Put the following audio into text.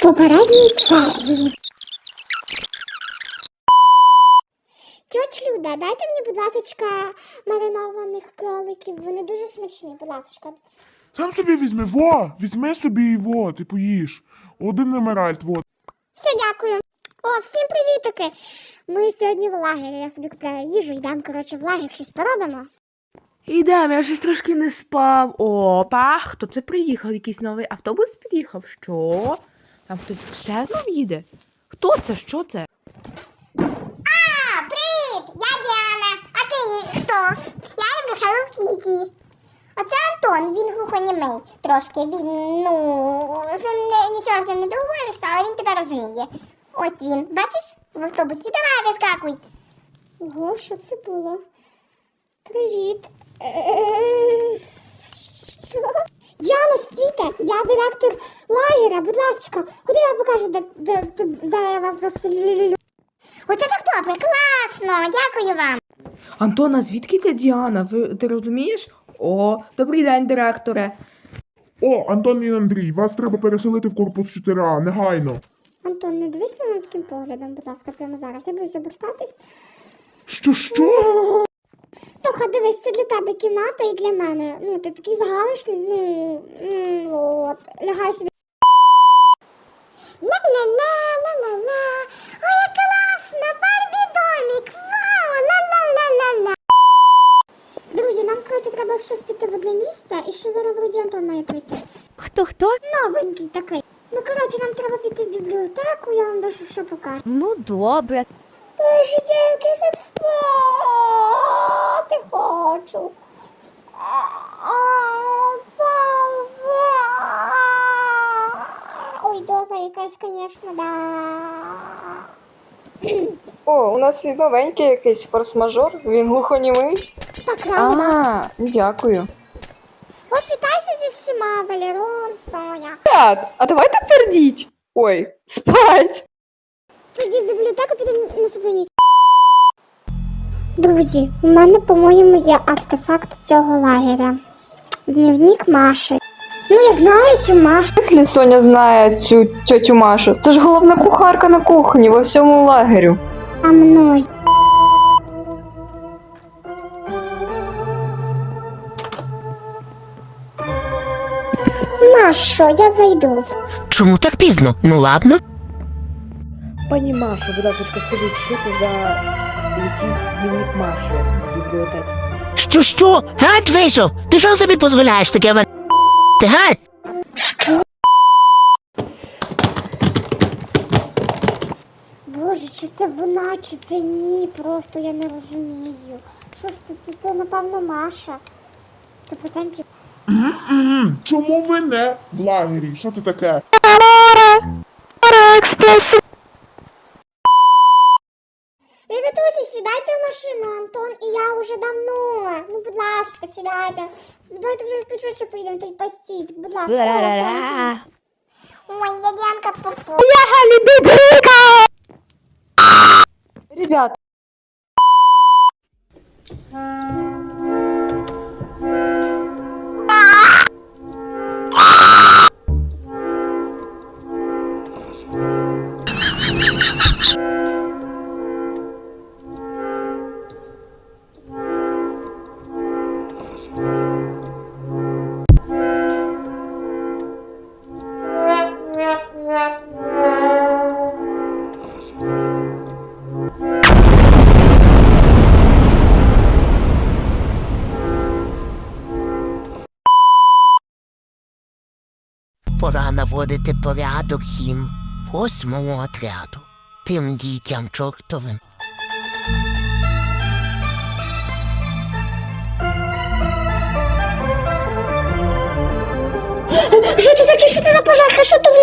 попередній серії. Тьоть Люда, дайте мені, будь ласочка, маринованих кроликів. Вони дуже смачні, будь ласочка. Сам собі візьми, візьми собі його, ти поїж. Один емеральд, Все, дякую. О, всім привітики. Ми сьогодні в лагері, я собі купляю їжу, йдемо, коротше, в лагер, щось поробимо. Ідемо, я щось трошки не спав. Опа, хто це приїхав? Якийсь новий автобус під'їхав? Що? Там хтось ще знов їде? Хто це? Що це? Привіт, я Діана. А ти хто? Я люблю Hello Kitty. А це Антон, він глухонімий трошки. Він, з ним нічого з ним не договоришся, але він тебе розуміє. Ось він, бачиш, в автобусі. Давай, вискакуй. Ого, що це було? Привіт. Що? Діано, стійте, я директор лагеря, будь ласка, куди я покажу, де я вас застрілю? Оце так добре, класно, дякую вам. Антона, звідки ти, Діана? Ти розумієш? О, добрий день, директоре. О, Антон і Андрій, вас треба переселити в корпус 4А, негайно. Антон, не дивись на мене таким поглядом, будь ласка, прямо зараз. Я боюсь обертатись. Що? Тоха, дивись, це для тебе кімната і для мене. Ти такий загалишний, от. Лягай собі. Ла-ла-ла-ла-ла-ла. Ой, як класно, Барбі-домік, вау, ла-ла-ла-ла-ла. Друзі, нам, коротше, треба щось піти в одне місце, і ще зараз вроді Антон має прийти. Хто? Новенький такий. Коротше, нам треба піти в бібліотеку, я вам дещо ще покажу. Ну, добре. Боже, дівки, я спати хочу. Ой, доза якась, звісно, да. О, у нас і новенький якийсь форс-мажор, він глухонімий. Так, правда. Дякую. От вітайся зі всіма, Валерон, Соня. Ребят, а давайте пердіть. Ой, спать. Тоді в бібліотеку підемо наступну ніч. Друзі, у мене, по-моєму, є артефакт цього лагеря. Дневник Маші. Я знаю цю Машу. Якщо Соня знає цю тьотю Машу, це ж головна кухарка на кухні во всьому лагерю. А мною. Машо, я зайду. Чому так пізно? Ну ладно. Пані Машо, будь ласка, скажіть, що це за якийсь дневник Маші в бібліотеці? Що? Гад вийшов? Ти що собі дозволяєш таке мене? Ти гад? Боже, чи це вона, чи це ні? Просто я не розумію. Що ж це напевно, Маша. 100%. Чому ви не в лагері? Що це таке? Ребятусі, сідайте в машину, Антон і я вже давно. Будь ласка, сідайте. Давайте вже швидше поїдемо, тут пастись. Будь ласка. Ла-ла-ла-ла. Ой, я Діанка Попо. Ребят, Пора наводити порядок їм 8-му отряду. Тим дітям чортовим. Що це таке? Що це за пожарка? Що то